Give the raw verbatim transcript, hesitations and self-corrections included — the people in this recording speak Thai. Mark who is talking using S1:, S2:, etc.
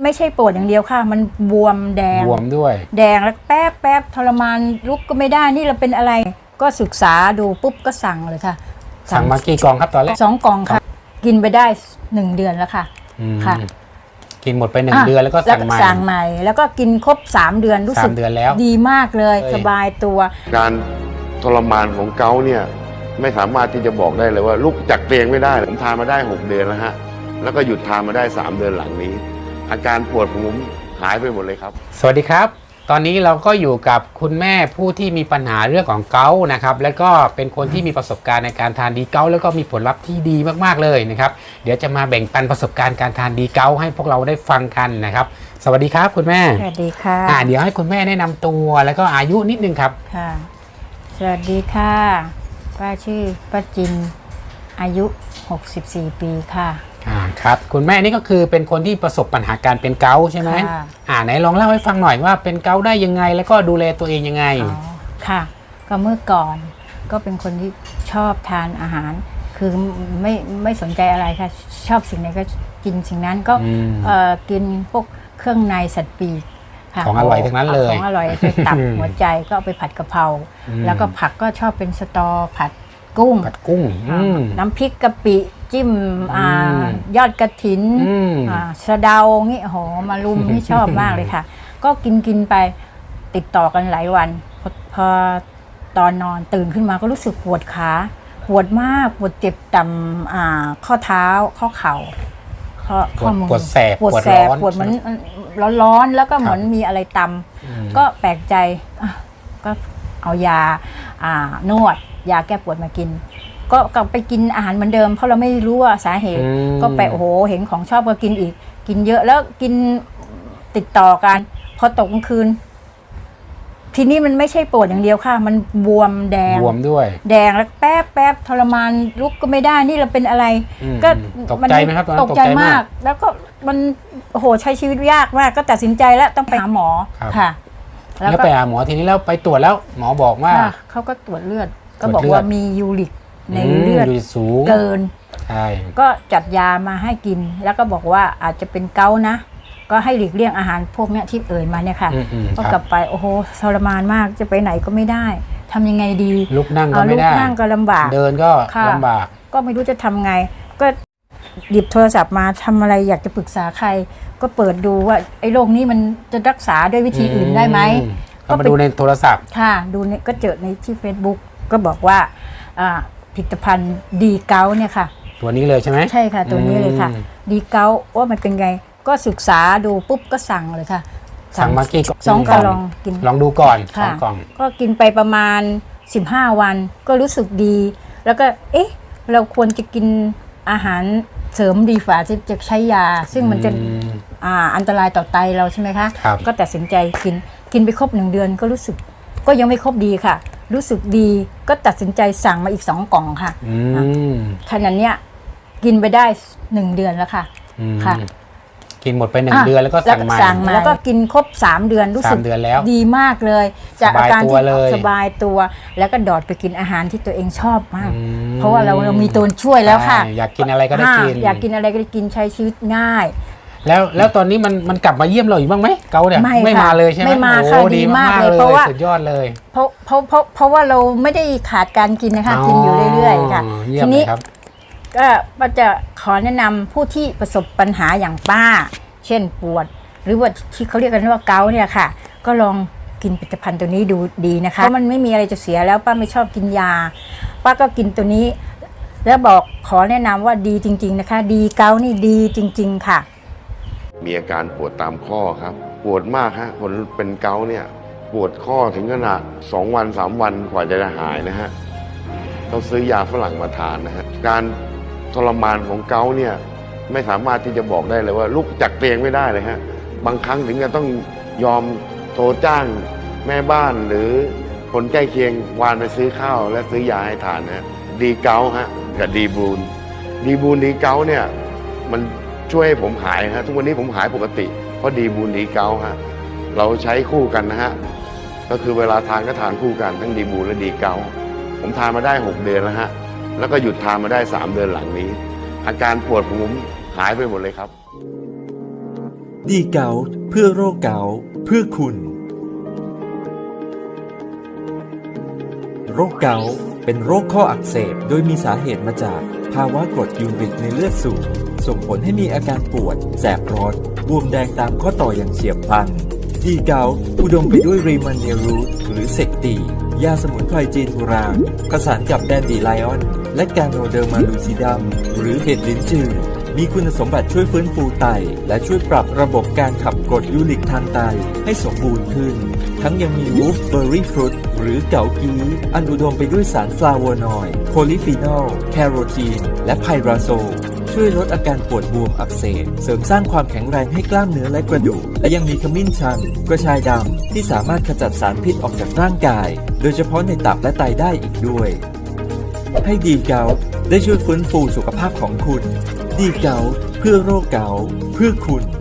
S1: ไม่ใช่ปวดอย่างเดียวค่ะมันบวมแดง
S2: บวมด้วย
S1: แดงแล้วแป๊บแป๊บทรมานลุกก็ไม่ได้นี่เราเป็นอะไรก็ศึกษาดูปุ๊บก็สั่งเลยค่ะ
S2: สั่งมากี่กล่องครับตอนแรก
S1: สองกล่องค่ะกินไปได้หนึ่งเดือนแล้วค่ะค่ะ
S2: กินหมดไปหนึ่งเดือนแล้วก็สั่งใหม่
S1: สั่งใหม่แล้วก็กินครบสามเดือนรู้สึกดีมากเลยสบายตัว
S3: การทรมานของเกาต์เนี่ยไม่สามารถที่จะบอกได้เลยว่าลุกจากเตียงไม่ได้ผมทานมาได้หกเดือนแล้วฮะแล้วก็หยุดทานมาได้สามเดือนหลังนี้อาการปวดของผมหายไปหมดเลยครับ
S2: สวัสดีครับตอนนี้เราก็อยู่กับคุณแม่ผู้ที่มีปัญหาเรื่องของเกาต์นะครับแล้วก็เป็นคนที่มีประสบการณ์ในการทานดีเกาต์แล้วก็มีผลลัพธ์ที่ดีมากๆเลยนะครับเดี๋ยวจะมาแบ่งปันประสบการณ์การทานดีเกาต์ให้พวกเราได้ฟังกันนะครับสวัสดีครับคุณแม่
S1: สวัสดีค่ะ
S2: อ่าเดี๋ยวให้คุณแม่แนะนำตัวแล้วก็อายุนิดนึงครับ
S1: ค่ะสวัสดีค่ะป้าชื่อป้าจินอายุหกสิบสี่ปีค่ะ
S2: อ่าครับคุณแม่นี่ก็คือเป็นคนที่ประสบปัญหาการเป็นเกาต์ใช่ไหมอ่าไหนลองเล่าให้ฟังหน่อยว่าเป็นเกาต์ได้ยังไงแล้วก็ดูแลตัวเองยังไง
S1: อ๋อค่ะก็เมื่อก่อนก็เป็นคนที่ชอบทานอาหารคือไม่ไม่สนใจอะไรค่ะชอบสิ่งไหนก็กินสิ่งนั้นก็เอ่อกินพวกเครื่องในสัตว์ปีก
S2: ของอร่อยทั้งนั้นเลย
S1: ของอร่อยคือตับหัวใจก็เอาไปผัดกะเพราแล้วก็ผักก็ชอบเป็นสตอผัดกุ้ง
S2: ผัดกุ้ง
S1: น้ำพริกกะปิจิ้มยอดกระถินสะเดางี้โหมารุมนี่ชอบมากเลยค่ะก็กินกินไปติดต่อกันหลายวันพอพอตอนนอนตื่นขึ้นมาก็รู้สึกปวดขาปวดมากปวดเจ็บต่ำข้อเท้าข้อเข่า
S2: ข้อมือปวดแสบ
S1: ปวดแสบปวดเหมือนร้อนๆแล้วก็เหมือนมีอะไรตำก็แปลกใจก็เอายานวดยาแก้ปวดมากินก็กลับไปกินอาหารเหมือนเดิมเพราะเราไม่รู้ว่าสาเหตุก็ไปโอ้โหเห็นของชอบก็กินอีกกินเยอะแล้วกินติดต่อกันพอตกกลางคืนทีนี้มันไม่ใช่ปวดอย่างเดียวค่ะมันบวมแดง
S2: บวมด้วย
S1: แดงแล้วแป๊บแป๊บทรมานลุกก็ไม่ได้นี่เราเป็นอะไร
S2: ก็ตกใจไหมครับ
S1: ตกใจมากแล้วก็มันโอ้โหใช้ชีวิตยากมากก็ตัดสินใจแล้วต้องไปหาหมอค่ะ
S2: แล้วไปหาหมอทีนี้แล้วไปตรวจแล้วหมอบอกว่า
S1: เขาก็ตรวจเลือดก็บอกว่ามียูริกในเลือดเกิน
S2: ใช่
S1: ก็จัดยามาให้กินแล้วก็บอกว่าอาจจะเป็นเกาต์นะก็ให้หลีกเลี่ยงอาหารพวกนี้ที่เอ่ยมาเนี่ยค่ะก็กลับไปโอ้โหทรมานมากจะไปไหนก็ไม่ได้ทำยังไงดี
S2: ลุกนั่งก็ไม่ได้
S1: ลุกนั่งก็ลำบาก
S2: เดินก็ลำบาก
S1: ก็ไม่รู้จะทำไงก็หยิบโทรศัพท์มาทำอะไรอยากจะปรึกษาใครก็เปิดดูว่าไอ้โรคนี้มันจะรักษาด้วยวิธีอื่นได้ไหม
S2: ก็มาดูในโทรศัพท์
S1: ค่ะดูเนี่ยก็เจอในที่ Facebook ก็บอกว่าผลิตภัณฑ์ดีเกาต์เนี่ยค่ะ
S2: ตัวนี้เลยใช่ไหม
S1: ใช่ค่ะตัวนี้เลยค่ะดีเกาต์ว่ามันเป็นไงก็ศึกษาดูปุ๊บก็สั่งเลยค่ะ
S2: สั่งมากี่
S1: สองกล่องลองกิน
S2: ลองดูก่อนสองกล่อง
S1: ก็กินไปประมาณสิบห้าวันก็รู้สึกดีแล้วก็เอ๊ะเราควรจะกินอาหารเสริมดีฝ่าที่จะใช้ยาซึ่งมันจะอ่าอันตรายต่อไตเราใช่ไหมคะก็ตัดสินใจกินกินไปครบหนึ่งเดือนก็รู้สึกก็ยังไม่ครบดีค่ะรู้สึกดีก็ตัดสินใจสั่งมาอีกสองกล่องค่ะขนาดเนี้ยกินไปได้หนึ่งเดือนแล้วค่ะค่ะ
S2: กินหมดไปหนึ่งเดือนแล้วก็สั่งใหม่
S1: แล้วก็กินครบสามเดือนรู้สึกดีมากเลยจากอาการที่สบายตัวแล้วก็ดอดไปกินอาหารที่ตัวเองชอบมากเพราะว่าเราเรามีตัวช่วยแล้วค่ะ
S2: อยากกินอะไรก็ได้กิน
S1: อยากกินอะไรก็ได้กินใช้ชีวิตง่าย
S2: แล้วแล้วตอนนี้มันมันกลับมาเยี่ยมเราอีกบ้างไหมเกาเนี่ยไม่มาเลยใช่ไหม
S1: ไม่มาค่ะดีมากเลยเพราะว่า
S2: สุดยอดเลย
S1: เพราะเพราะเพราะเพราะว่าเราไม่ได้ขาดการกินนะคะกินอยู่เรื่อยๆค่ะทีนี้ก็ป้าจะขอแนะนำผู้ที่ประสบปัญหาอย่างป้าเช่นปวดหรือว่าที่เขาเรียกกันว่าเกาต์เนี่ยค่ะก็ลองกินผลิตภัณฑ์ตัวนี้ดูดีนะคะเพราะมันไม่มีอะไรจะเสียแล้วป้าไม่ชอบกินยาป้าก็กินตัวนี้แล้วบอกขอแนะนำว่าดีจริงๆนะคะดีเกาต์นี่ดีจริงๆค่ะ
S3: มีอาการปวดตามข้อครับปวดมากฮะคนเป็นเกาต์เนี่ยปวดข้อถึงขนาดสองวันสามวันกว่าจะหายนะฮะต้องซื้อยาฝรั่งมาทานนะฮะการทรมานของเกาต์เนี่ยไม่สามารถที่จะบอกได้เลยว่าลุกจากเตียงไม่ได้เลยฮะบางครั้งถึงจะต้องยอมโทรจ้างแม่บ้านหรือคนใกล้เคียงวานไปซื้อข้าวและซื้อยาให้ทานนะฮะดีเกาต์ฮะกับดีบูนดีบูนดีเกาต์เนี่ยมันช่วยให้ผมหายฮะทุกวันนี้ผมหายปกติเพราะดีบูนดีเกาต์ฮะเราใช้คู่กันนะฮะก็คือเวลาทานก็ทานคู่กันทั้งดีบูนและดีเกาต์ผมทานมาได้หกเดือนแล้วฮะแล้วก็หยุดทานมาได้สามเดือนหลังนี้อาการปวดของผมหายไปหมดเลยครับ
S4: ดีเกาต์เพื่อโรคเกาต์เพื่อคุณโรคเกาต์เป็นโรคข้ออักเสบโดยมีสาเหตุมาจากภาวะกรดยูริกในเลือดสูงส่งผลให้มีอาการปวดแสบร้อนบวมแดงตามข้อต่ออย่างเฉียบพลันดีเกาต์อุดมไปด้วยรีมันเนรูทหรือเซกตียาสมุนไพรจีนโบราณผสานกับแดนดีไลออนและกาโนเดอร์มาลูซิดัมหรือเห็ดลิ้นจือมีคุณสมบัติช่วยฟื้นฟูไตและช่วยปรับระบบการขับกรดยูริกทางไตให้สมบูรณ์ขึ้นทั้งยังมีวูฟเบอร์รี่ฟรุตหรือเกากีอันอุดมไปด้วยสารฟลาโวนอยด์โพลิฟีนอลแคโรทีนและไพราโซลช่วยลดอาการปวดบวมอักเสบเสริมสร้างความแข็งแรงให้กล้ามเนื้อและกระดูกและยังมีขมิ้นชันกระชายดำที่สามารถขจัดสารพิษออกจากร่างกายโดยเฉพาะในตับและไตได้อีกด้วยให้ดีเกาต์ได้ช่วยฟื้นฟูสุขภาพของคุณดีเกาต์เพื่อโรคเกาต์เพื่อคุณ